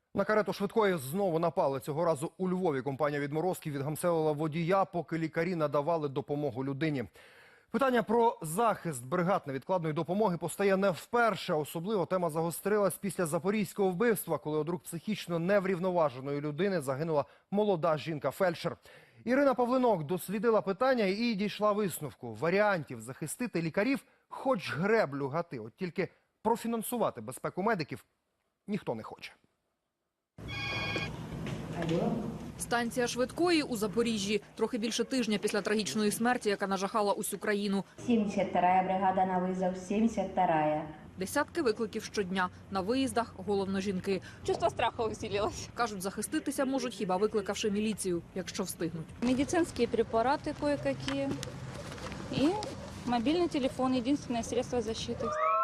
На карету швидкої знову напали. Цього разу у Львові компанія відморозків відгамселила водія, поки лікарі надавали допомогу людині. Питання про захист бригад невідкладної допомоги постає не вперше. Особливо тема загострилась після запорізького вбивства, коли од рук психічно неврівноваженої людини загинула молода жінка-фельдшер. Ірина Павлинок дослідила питання і дійшла висновку. Варіантів захистити лікарів хоч греблю гати. От тільки профінансувати безпеку медиків ніхто не хоче. Станція швидкої у Запоріжжі. Трохи більше тижня після трагічної смерті, яка нажахала усю країну. 72-я бригада на визов, 72-я. Десятки викликів щодня. На виїздах головно жінки. Чувство страха усилилось. Кажуть, захиститися можуть хіба викликавши міліцію, якщо встигнуть. Медицинские препараты кое-какие и мобильный телефон – единственное средство защиты.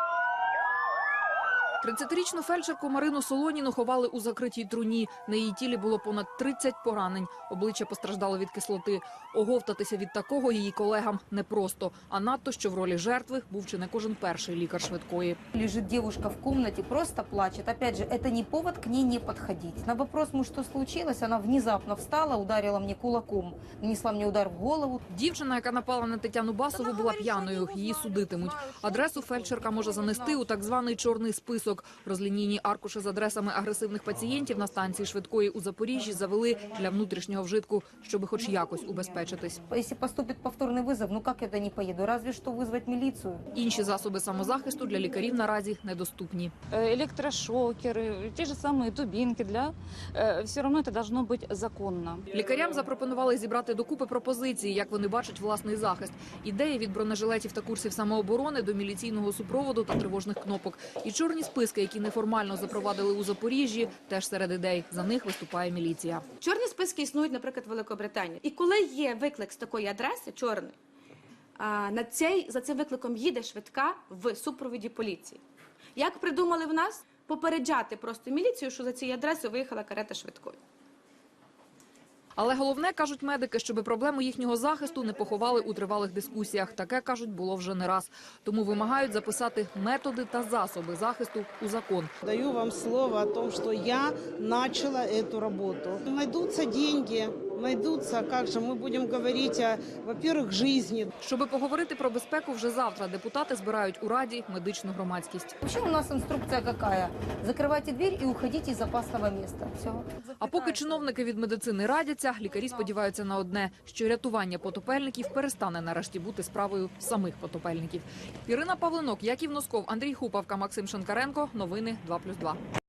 30-річну фельдшерку Марину Солоніну ховали у закритій труні. На її тілі було понад 30 поранень. Обличчя постраждало від кислоти. Оговтатися від такого її колегам непросто. А надто, що в ролі жертви був чи не кожен перший лікар швидкої. Лежит девушка в комнате, просто плачет. Опять же, это не повод к ней не подходить. На вопрос, что случилось, она внезапно встала, ударила мне кулаком, нанесла мне удар в голову. Дівчина, яка напала на Тетяну Басову, була п'яною. Її судитимуть. Адресу фельдшерка може занести у так званий чорний список. Розлінійні аркуші з адресами агресивних пацієнтів на станції швидкої у Запоріжжі завели для внутрішнього вжитку, щоб хоч якось убезпечитись. Если поступит повторный вызов, ну как я туда не поеду? Разве что вызвать милицию. Інші засоби самозахисту для лікарів наразі недоступні. Электрошокеры, те же самые дубинки. Все равно это должно быть законно. Лікарям запропонували зібрати докупи пропозиції, як вони бачать власний захист. Ідеї від бронежилетів та курсів самооборони до міліційного супроводу та тривожних кнопок. І чорні списки, які неформально запровадили у Запоріжжі, теж серед ідей. За них виступає міліція. Чорні списки існують, наприклад, в Великобританії. І коли є виклик з такої адреси, чорний, за цим викликом їде швидка в супроводі поліції. Як придумали в нас? Попереджати просто міліцію, що за цією адресою виїхала карета швидкої. Але головне, кажуть медики, щоб проблему їхнього захисту не поховали у тривалих дискусіях. Таке, кажуть, було вже не раз. Тому вимагають записати методи та засоби захисту у закон. Даю вам слово о том, что я начала эту работу. Найдутся деньги, найдутся, как же мы будем говорить о, во-первых, жизни. Щоби поговорити про безпеку вже завтра, депутати збирають у Раді медичну громадськість. Вообще у нас инструкция какая? Закрывайте дверь и уходите из опасного места. Все. А поки чиновники від медицини радяться, лікарі сподіваються на одне – що рятування потопельників перестане нарешті бути справою самих потопельників. Ірина Павлинок, Яків Носков, Андрій Хупавка, Максим Шинкаренко. Новини 2+2.